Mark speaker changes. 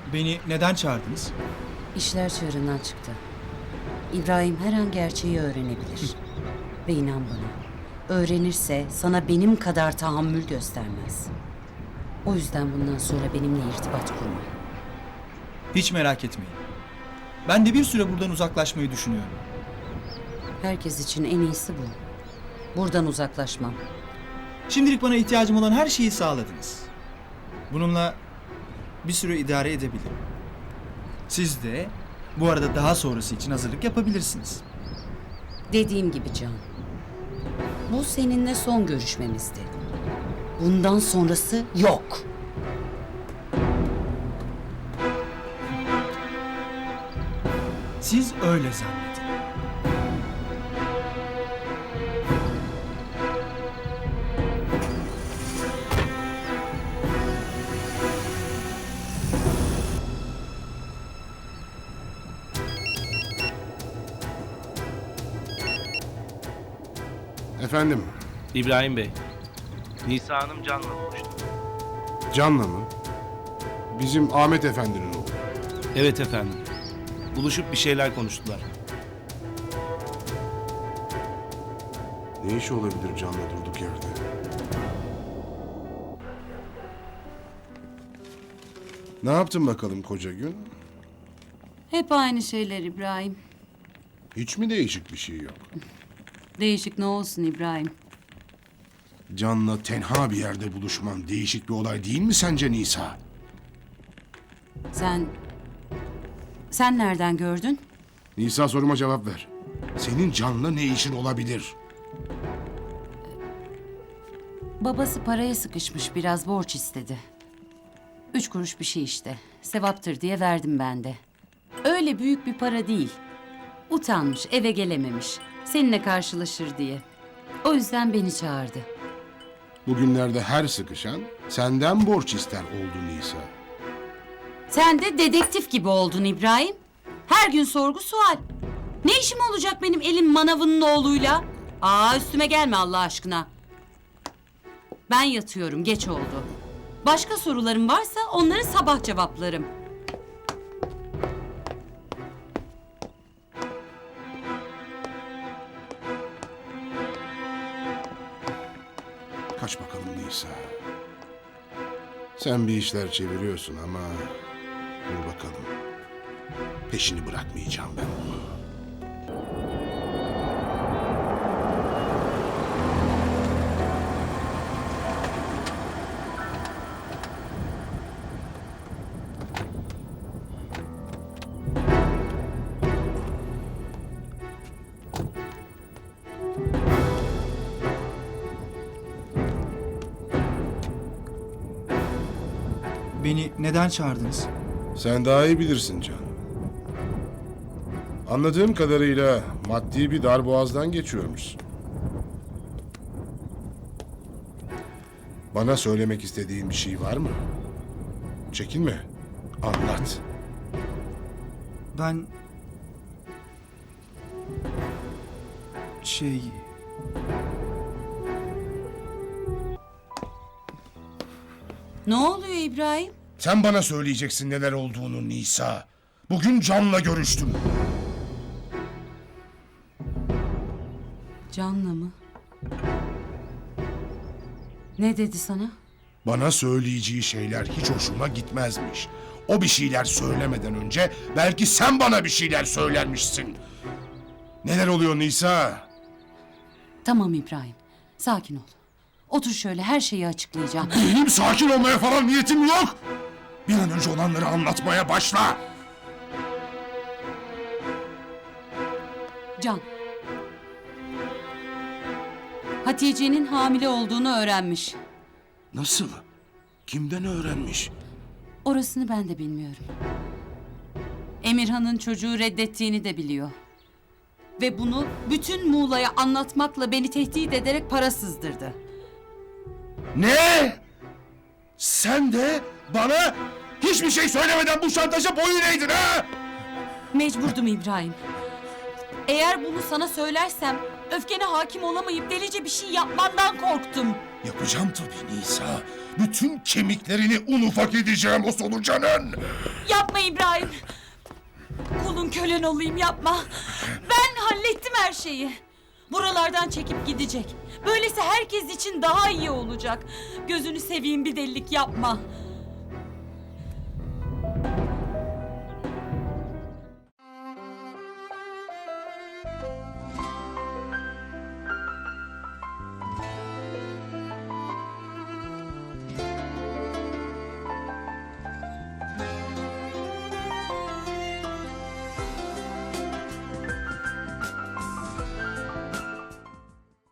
Speaker 1: Beni neden çağırdınız?
Speaker 2: İşler çığırından çıktı. İbrahim her an gerçeği öğrenebilir. Ve inan bana, öğrenirse sana benim kadar tahammül göstermez. O yüzden bundan sonra benimle irtibat kurma.
Speaker 1: Hiç merak etmeyin. Ben de bir süre buradan uzaklaşmayı düşünüyorum.
Speaker 2: Herkes için en iyisi bu. Buradan uzaklaşmam.
Speaker 1: Şimdilik bana ihtiyacım olan her şeyi sağladınız. Bununla bir süre idare edebilirim. Siz de bu arada daha sonrası için hazırlık yapabilirsiniz.
Speaker 2: Dediğim gibi Can. Bu seninle son görüşmemizdi. Bundan sonrası yok.
Speaker 1: Siz öyle zannedin.
Speaker 3: Efendim,
Speaker 4: İbrahim Bey, Nisa Hanım Can'la buluştu.
Speaker 3: Can'la mı? Bizim Ahmet Efendi'nin oğlu.
Speaker 4: Evet efendim. Buluşup bir şeyler konuştular.
Speaker 3: Ne işi olabilir Can'la durduk yerde? Ne yaptın bakalım koca gün?
Speaker 2: Hep aynı şeyler İbrahim.
Speaker 3: Hiç mi değişik bir şey yok?
Speaker 2: Değişik ne olsun İbrahim?
Speaker 3: Can'la tenha bir yerde buluşman değişik bir olay değil mi sence Nisa?
Speaker 2: Sen nereden gördün?
Speaker 3: Nisa, soruma cevap ver. Senin Can'la ne işin olabilir?
Speaker 2: Babası paraya sıkışmış, biraz borç istedi. 3 kuruş bir şey işte. Sevaptır diye verdim ben de. Öyle büyük bir para değil. Utanmış, eve gelememiş. Seninle karşılaşır diye. O yüzden beni çağırdı.
Speaker 3: Bugünlerde her sıkışan senden borç ister oldu Nisa.
Speaker 2: Sen de dedektif gibi oldun İbrahim. Her gün sorgu sual. Ne işim olacak benim elin manavının oğluyla? Üstüme gelme Allah aşkına. Ben yatıyorum, geç oldu. Başka sorularım varsa onları sabah cevaplarım.
Speaker 3: Kaç bakalım Nisa. Sen bir işler çeviriyorsun ama dur bakalım. Peşini bırakmayacağım ben bunu.
Speaker 1: Beni neden çağırdınız?
Speaker 3: Sen daha iyi bilirsin Can. Anladığım kadarıyla maddi bir darboğazdan geçiyormuşsun. Bana söylemek istediğin bir şey var mı? Çekinme. Anlat.
Speaker 1: Ben...
Speaker 2: Ne oluyor İbrahim?
Speaker 3: Sen bana söyleyeceksin neler olduğunu Nisa. Bugün Can'la görüştüm.
Speaker 2: Can'la mı? Ne dedi sana?
Speaker 3: Bana söyleyeceği şeyler hiç hoşuma gitmezmiş. O bir şeyler söylemeden önce belki sen bana bir şeyler söylermişsin. Neler oluyor Nisa?
Speaker 2: Tamam İbrahim, sakin ol. Otur şöyle, her şeyi açıklayacağım.
Speaker 3: Benim sakin olmaya falan niyetim yok. Bir an önce olanları anlatmaya başla.
Speaker 2: Can. Hatice'nin hamile olduğunu öğrenmiş.
Speaker 3: Nasıl? Kimden öğrenmiş?
Speaker 2: Orasını ben de bilmiyorum. Emirhan'ın çocuğu reddettiğini de biliyor. Ve bunu bütün Muğla'ya anlatmakla beni tehdit ederek para sızdırdı.
Speaker 3: Ne? Sen de bana hiçbir şey söylemeden bu şantaja boyun eğdin ha?
Speaker 2: Mecburdum İbrahim. Eğer bunu sana söylersem öfkene hakim olamayıp delice bir şey yapmandan korktum.
Speaker 3: Yapacağım tabii Nisa. Bütün kemiklerini un ufak edeceğim o solucanın.
Speaker 2: Yapma İbrahim. Kulun kölen olayım, yapma. Ben hallettim her şeyi. Buralardan çekip gidecek. Böylesi herkes için daha iyi olacak. Gözünü seveyim, bir delilik yapma.